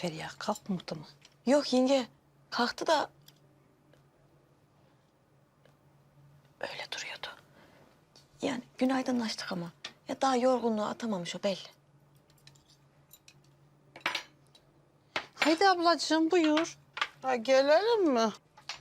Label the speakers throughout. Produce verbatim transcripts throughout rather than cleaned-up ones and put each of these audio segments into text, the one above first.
Speaker 1: Feriha? Kalkmadı mı?
Speaker 2: Yok yenge. Kalktı da... Öyle duruyordu. Yani günaydınlaştık ama. Ya daha yorgunluğu atamamış o belli.
Speaker 1: Haydi ablacığım buyur.
Speaker 3: Ha, gelelim mi?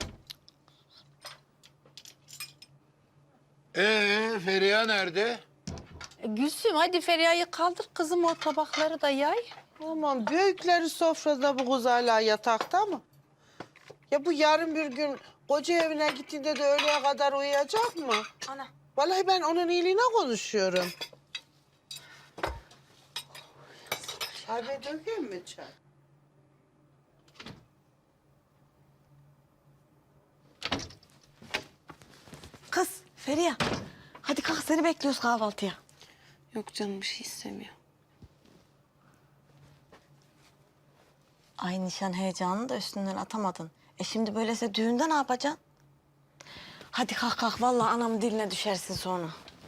Speaker 4: Ee, Feriha nerede?
Speaker 1: E, Gülsüm hadi Feriha'yı kaldır kızım, o tabakları da yay.
Speaker 3: Aman büyükleri sofrada, bu kız hala yatakta mı? Ya bu yarın bir gün koca evine gittiğinde de öğleye kadar uyuyacak mı?
Speaker 2: Ana.
Speaker 3: Vallahi ben onun iyiliğine konuşuyorum. Çay dökeyim mi çay?
Speaker 2: Kız Feriha. Hadi kalk, seni bekliyoruz kahvaltıya.
Speaker 5: Yok canım, bir şey istemiyor.
Speaker 2: Ay nişan heyecanını da üstünden atamadın. E şimdi böylese düğünde ne yapacaksın? Hadi kalk kalk, vallahi anamın diline düşersin sonra.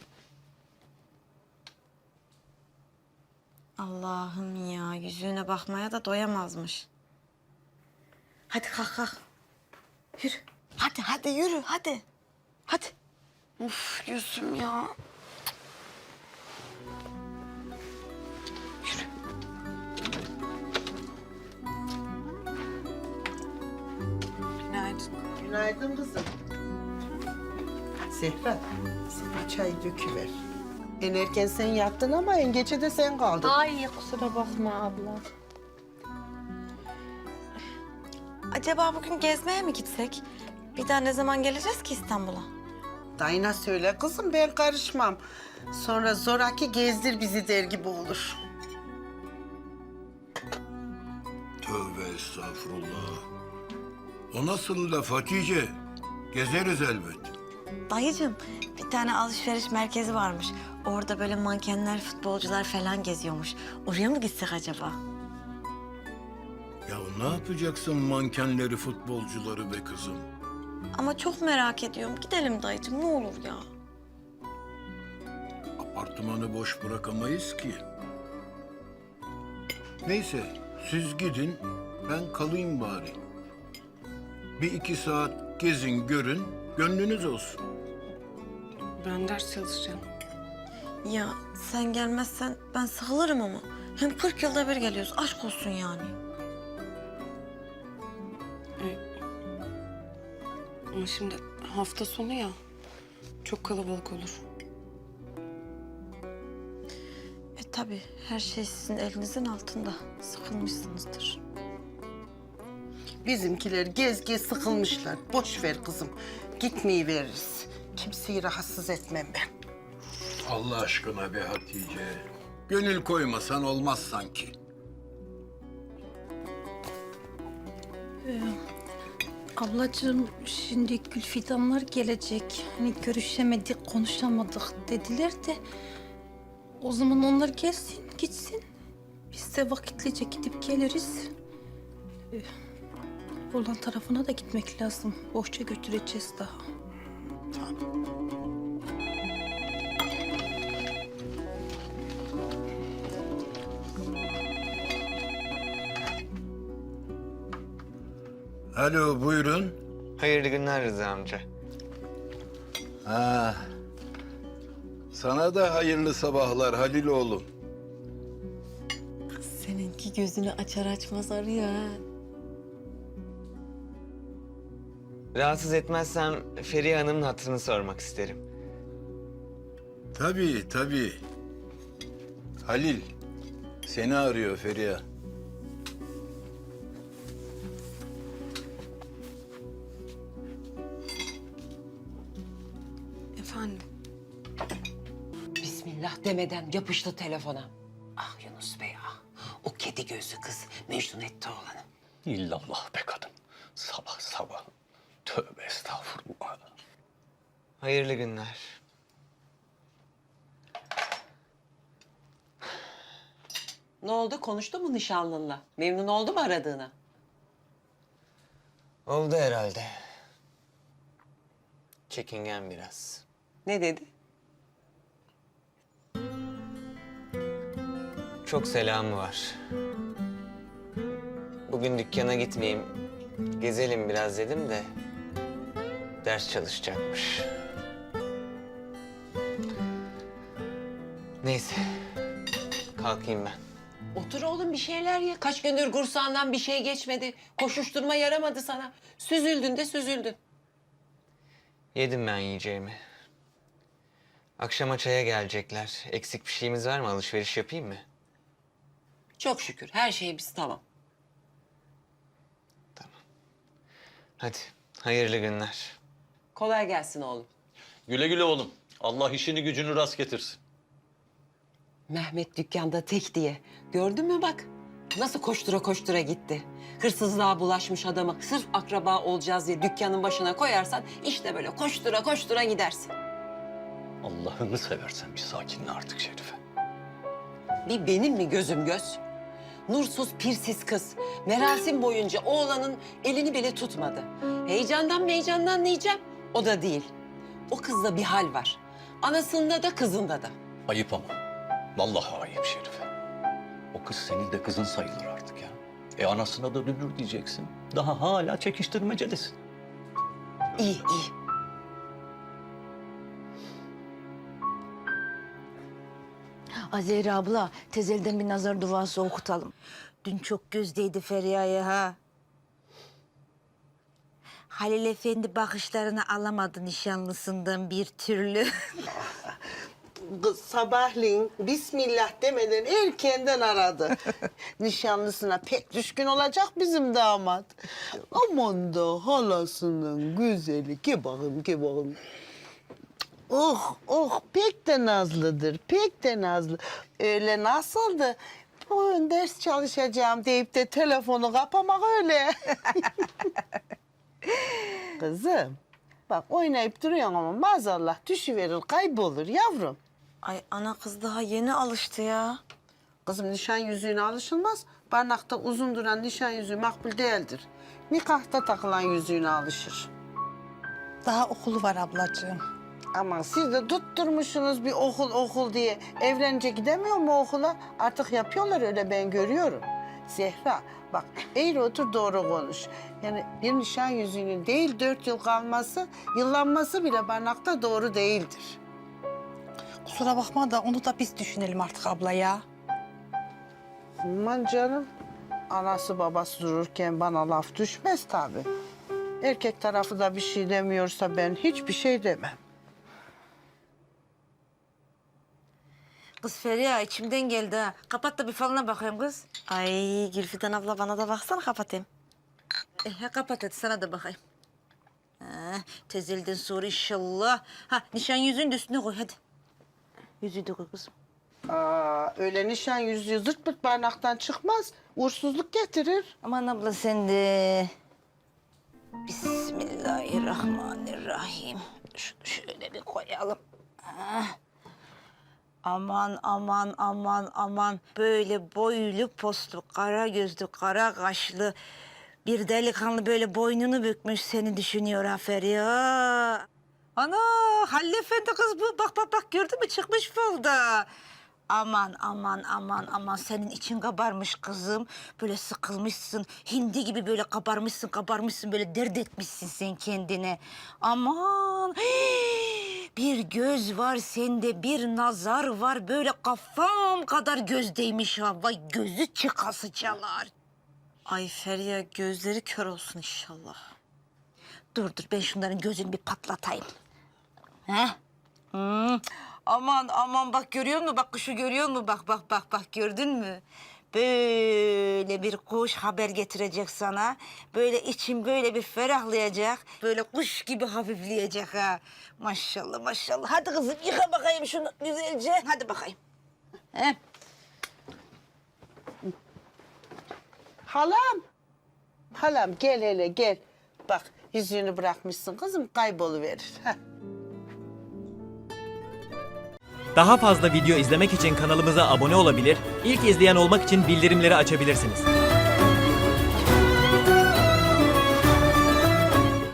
Speaker 2: Allah'ım ya, yüzüğüne bakmaya da doyamazmış. Hadi kalk kalk. Yürü. Hadi hadi yürü hadi. Hadi.
Speaker 5: Uf Gülsüm ya.
Speaker 3: Günaydın. Günaydın kızım. Zehra, sen bir çay döküver. En erken sen yattın ama en geçe de sen kaldın.
Speaker 1: Ay kusura bakma abla.
Speaker 2: Acaba bugün gezmeye mi gitsek? Bir daha ne zaman geleceğiz ki İstanbul'a?
Speaker 3: Dayına söyle kızım, ben karışmam. Sonra zoraki gezdir bizi der gibi olur.
Speaker 4: Tövbe estağfurullah. O nasıl laf Hatice? Gezeriz elbet.
Speaker 2: Dayıcığım, bir tane alışveriş merkezi varmış. Orada böyle mankenler, futbolcular falan geziyormuş. Oraya mı gitsek acaba?
Speaker 4: Ya ne yapacaksın mankenleri, futbolcuları be kızım?
Speaker 2: Ama çok merak ediyorum. Gidelim dayıcığım, ne olur ya.
Speaker 4: Apartmanı boş bırakamayız ki. Neyse, siz gidin, ben kalayım bari. Bir iki saat gezin, görün, gönlünüz olsun.
Speaker 5: Ben ders çalışacağım.
Speaker 2: Ya sen gelmezsen ben sıkılırım ama. Hem kırk yılda bir geliyoruz. Aşk olsun yani.
Speaker 5: Ama şimdi hafta sonu ya. Çok kalabalık olur.
Speaker 2: E tabii her şey sizin elinizin altında. Sıkılmışsınızdır.
Speaker 3: Bizimkiler gez gez sıkılmışlar. Boş ver kızım. Gitmeyi veririz. Kimseyi rahatsız etmem ben.
Speaker 4: Allah aşkına be Hatice. Gönül koymasan olmaz sanki.
Speaker 1: Ablacığım şimdi Gülfidanlar gelecek. Hani görüşemedik, konuşamadık dediler de... O zaman onlar gelsin, gitsin. Biz de vakitlice gidip geliriz. Ee, Buradan tarafına da gitmek lazım. Bohça götüreceğiz daha.
Speaker 4: Alo, buyurun.
Speaker 6: Hayırlı günler Rıza amca.
Speaker 4: Ha. Sana da hayırlı sabahlar Halil oğlum.
Speaker 2: Seninki gözünü açar açmaz arıyor ha.
Speaker 6: Rahatsız etmezsem Feriha Hanım'ın hatırını sormak isterim.
Speaker 4: Tabii, tabii. Halil, seni arıyor Feriha.
Speaker 5: Efendim?
Speaker 7: Bismillah demeden yapıştı telefona. Ah Yunus Bey ah. O kedi gözlü kız Mecnun etti oğlanı.
Speaker 8: İllallah be kadın. Sabah sabah. Tövbe estağfurullah.
Speaker 6: Hayırlı günler.
Speaker 7: Ne oldu? Konuştu mu nişanlınla? Memnun oldu mu aradığına?
Speaker 6: Oldu herhalde. Çekingen biraz.
Speaker 7: Ne dedi?
Speaker 6: Çok selamı var. bugün dükkana gitmeyeyim, gezelim biraz dedim de ders çalışacakmış. Neyse, kalkayım ben.
Speaker 7: Otur oğlum bir şeyler ye. Kaç gündür kursağından bir şey geçmedi. Koşuşturma yaramadı sana. Süzüldün de süzüldün.
Speaker 6: Yedim ben yiyeceğimi. Akşama çaya gelecekler. Eksik bir şeyimiz var mı? Alışveriş yapayım mı?
Speaker 7: Çok şükür her şey biz tamam.
Speaker 6: Hadi, hayırlı günler.
Speaker 7: Kolay gelsin oğlum.
Speaker 8: Güle güle oğlum. Allah işini gücünü rast getirsin.
Speaker 7: Mehmet dükkanda tek diye. Gördün mü bak? Nasıl koştura koştura gitti. Hırsızlığa bulaşmış adamı sırf akraba olacağız diye dükkanın başına koyarsan işte böyle koştura koştura gidersin.
Speaker 8: Allah'ını seversen bir sakinle artık Şerife.
Speaker 7: Bir benim mi gözüm göz? Nursuz pirsiz kız. Merasim boyunca oğlanın elini bile tutmadı. Heyecandan heyecandan diyeceğim. O da değil. O kızda bir hal var. Anasında da kızında da.
Speaker 8: Ayıp ama. Vallahi ayıp Şerife. O kız senin de kızın sayılır artık ya. E anasına da dönür diyeceksin. Daha hala çekiştirmecedesin.
Speaker 7: İyi iyi.
Speaker 2: Azeri abla, tezelden bir nazar duası okutalım. Dün çok gözdeydi Feriha'ya ha. Halil Efendi bakışlarını alamadı nişanlısından bir türlü.
Speaker 3: Kız sabahleyin Bismillah demeden erkenden aradı. Nişanlısına pek düşkün olacak bizim damat. Aman da halasının güzeli. Ki bakayım, ki bakayım. Oh, oh pek de nazlıdır, pek de nazlı. Öyle nasıldı? Bugün ders çalışacağım deyip de telefonu kapamak öyle. Kızım, bak oynayıp duruyorsun ama maazallah düşüverir, kaybolur yavrum.
Speaker 2: Ay ana kız daha yeni alıştı ya.
Speaker 3: Kızım nişan yüzüğüne alışılmaz. Barnakta uzun duran nişan yüzüğü makbul değildir. Nikahta takılan yüzüğüne alışır.
Speaker 1: Daha okulu var ablacığım.
Speaker 3: Ama siz de tutturmuşsunuz bir okul okul diye. Evlenince gidemiyor mu okula? Artık yapıyorlar öyle, ben görüyorum. Zehra bak eğri otur doğru konuş. Yani bir nişan yüzüğünün değil dört yıl kalması, yıllanması bile barnakta doğru değildir.
Speaker 1: Kusura bakma da onu da biz düşünelim artık abla ya.
Speaker 3: Aman canım. Anası babası dururken bana laf düşmez tabii. Erkek tarafı da bir şey demiyorsa ben hiçbir şey demem.
Speaker 2: Kız Feriha içimden geldi ha. Kapat da bir falına bakayım kız. Ay Gülfidan abla bana da baksana kapatayım. E, ha, kapat hadi sana da bakayım. Ha, tezelden sonra inşallah. Ha nişan yüzüğünü de üstüne koy hadi. Yüzüğü de koy kızım.
Speaker 3: Aa, öyle nişan yüzüğü zırt pırt barnaktan çıkmaz. Uğursuzluk getirir.
Speaker 2: Aman abla sen de. Bismillahirrahmanirrahim. Şunu şöyle bir koyalım. Ha. Aman aman aman aman. Böyle boylu postlu, kara gözlü, kara kaşlı bir delikanlı böyle boynunu bükmüş seni düşünüyor ha Feriha. Ana Halil Efendi kız bu. Bak bak bak gördün mü çıkmış falda. Aman aman aman aman senin için kabarmış kızım. Böyle sıkılmışsın. Hindi gibi böyle kabarmışsın kabarmışsın. Böyle dert etmişsin sen kendine. Aman hii, bir göz var sende bir nazar var. Böyle kafam kadar gözdeymiş ha. Vay gözü çıkası çalar. Ay Feriha gözleri kör olsun inşallah. Dur dur ben şunların gözünü bir patlatayım. He? Hmm. Aman aman bak görüyor musun? Bak kuşu görüyor musun? Bak bak bak bak gördün mü? Böyle bir kuş haber getirecek sana. Böyle için böyle bir ferahlayacak. Böyle kuş gibi hafifleyecek ha. Maşallah maşallah. Hadi kızım yıka bakayım şunu güzelce. Hadi bakayım. He?
Speaker 3: Halam. Halam gel hele gel. Bak yüzüğünü bırakmışsın kızım kayboluverir. Heh.
Speaker 9: Daha fazla video izlemek için kanalımıza abone olabilir, ilk izleyen olmak için bildirimleri açabilirsiniz.